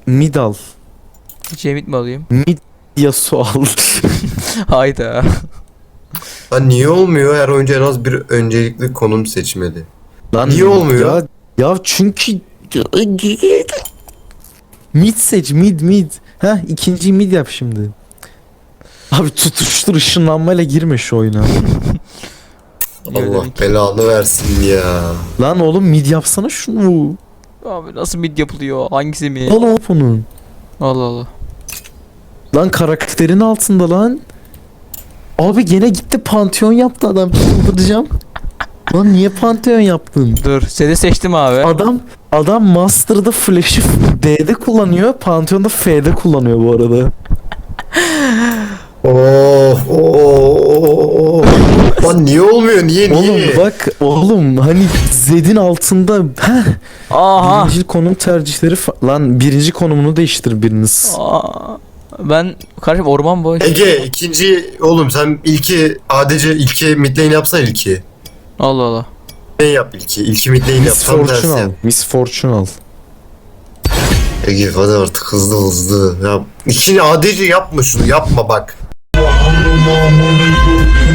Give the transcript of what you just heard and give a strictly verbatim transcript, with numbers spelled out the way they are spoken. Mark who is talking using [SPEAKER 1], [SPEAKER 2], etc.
[SPEAKER 1] mid al.
[SPEAKER 2] Cemit mi alayım?
[SPEAKER 1] Mid Yasuo al.
[SPEAKER 2] Hayda.
[SPEAKER 3] Lan niye olmuyor? Her oyuncu en az bir öncelikli konum seçmeli.
[SPEAKER 1] Lan
[SPEAKER 3] Niye olmuyor?
[SPEAKER 1] Ya, ya çünkü mid seç, mid mid. Heh, ikinci mid yap şimdi. Abi tutuştur, ışınlanmayla girme şu oyuna.
[SPEAKER 3] Allah belanı versin ya.
[SPEAKER 1] Lan oğlum mid yapsana şunu.
[SPEAKER 2] Abi nasıl mid yapılıyor? Hangisi mi?
[SPEAKER 1] Al hop onun.
[SPEAKER 2] Allah Allah.
[SPEAKER 1] Lan karakterin altında lan. Abi gene gitti Pantheon yaptı adam. Çıldıracağım. Lan niye Pantheon yaptın?
[SPEAKER 2] Dur, seni seçtim abi.
[SPEAKER 1] Adam adam Master'da Flash'ı B'de kullanıyor, Pantheon'da F'de kullanıyor bu arada.
[SPEAKER 3] Oh, oh, oh. Lan niye olmuyor? Niye niye?
[SPEAKER 1] Oğlum bak oğlum hani Zed'in altında heh,
[SPEAKER 2] Aha.
[SPEAKER 1] birinci konum tercihleri fa- lan birinci konumunu değiştir biriniz.
[SPEAKER 2] Aa, ben kardeşim orman boş.
[SPEAKER 3] Ege ikinci oğlum sen ilki adece ilki mid lane yapsana ilki.
[SPEAKER 2] Allah Allah.
[SPEAKER 3] Ne yap ilki? İlki mid lane yap.
[SPEAKER 1] Miss
[SPEAKER 3] Tam tersi
[SPEAKER 1] Fortune al.
[SPEAKER 3] yap.
[SPEAKER 1] Miss Fortune al.
[SPEAKER 3] Ege hadi artık hızlı hızlı. Ya ikini adece yapma şunu yapma bak.